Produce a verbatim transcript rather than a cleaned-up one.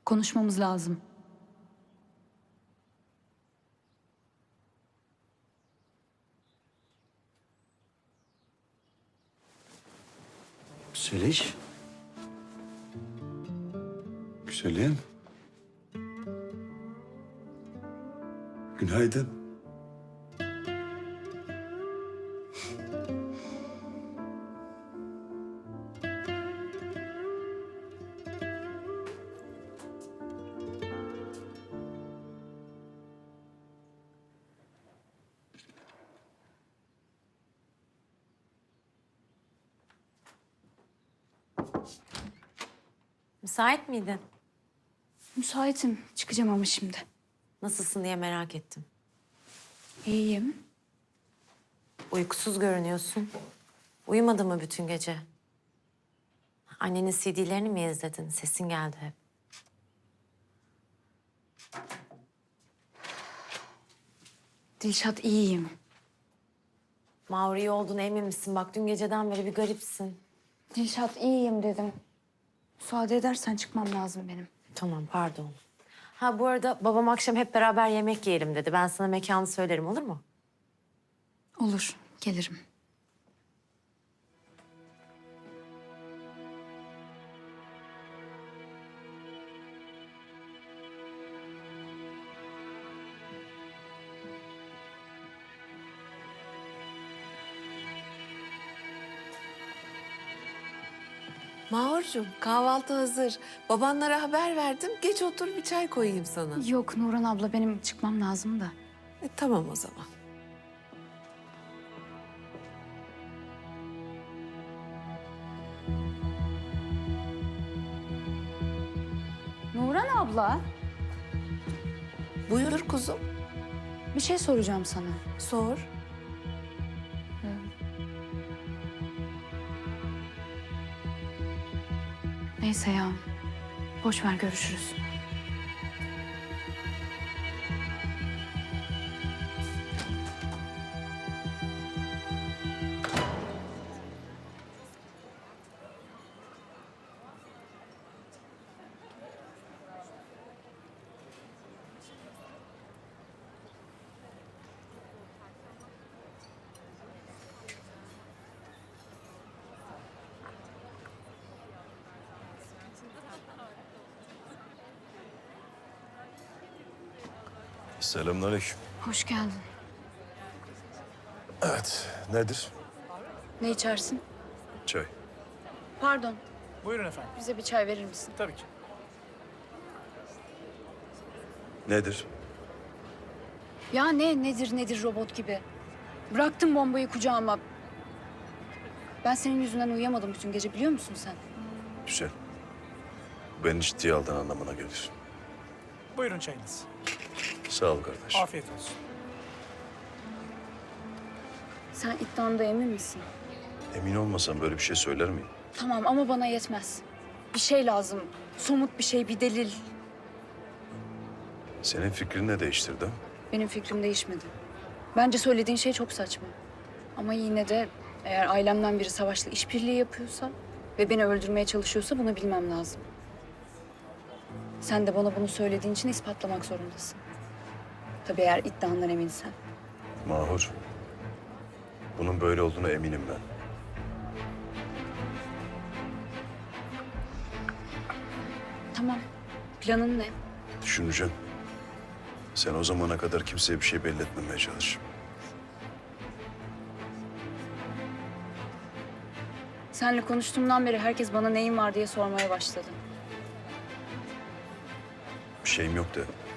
Konuşmamız lazım. Zeliş. Güzelim. Günaydın. Müsait miydin? Müsaitim. Çıkacağım ama şimdi. Nasılsın diye merak ettim. İyiyim. Uykusuz görünüyorsun. Uyumadın mı bütün gece? Annenin C D'lerini mi izledin? Sesin geldi hep. Dilşat iyiyim. Mahur iyi olduğuna emin misin? Bak dün geceden beri bir garipsin. Dilşat iyiyim dedim. Müsaade edersen çıkmam lazım benim. Tamam, pardon. Ha bu arada babam akşam hep beraber yemek yiyelim dedi. Ben sana mekanı söylerim, olur mu? Olur, gelirim. Mahurcuğum, kahvaltı hazır. Babanlara haber verdim. Geç otur, bir çay koyayım sana. Yok Nurhan abla, benim çıkmam lazım da. E, tamam o zaman. Nurhan abla, Buyur kuzum, bir şey soracağım sana. sor. Neyse ya, boş ver, görüşürüz. Selamünaleyküm. Hoş geldin. Evet, nedir? Ne içersin? Çay. Pardon, Buyurun efendim. bize bir çay verir misin? Tabii ki. Nedir? Ya ne nedir nedir robot gibi. Bıraktın bombayı kucağıma. Ben senin yüzünden uyuyamadım bütün gece, biliyor musun sen? Güzel. Bu beni ciddiye aldığın anlamına gelir. Buyurun çayınız. Sağ ol kardeş. Afiyet olsun. Sen iddianda emin misin? Emin olmasam böyle bir şey söyler miyim? Tamam ama bana yetmez. Bir şey lazım. Somut bir şey, bir delil. Senin fikrin ne değiştirdi? Benim fikrim değişmedi. Bence söylediğin şey çok saçma. Ama yine de eğer ailemden biri Savaş'la işbirliği yapıyorsa ve beni öldürmeye çalışıyorsa bunu bilmem lazım. Sen de bana bunu söylediğin için ispatlamak zorundasın. Tabii eğer iddiandan eminsen. Mahur. Bunun böyle olduğuna eminim ben. Tamam. Planın ne? Düşüneceğim. Sen o zamana kadar kimseye bir şey belli etmemeye çalış. Seninle konuştuğumdan beri herkes bana neyin var diye sormaya başladı. Bir şeyim yok de.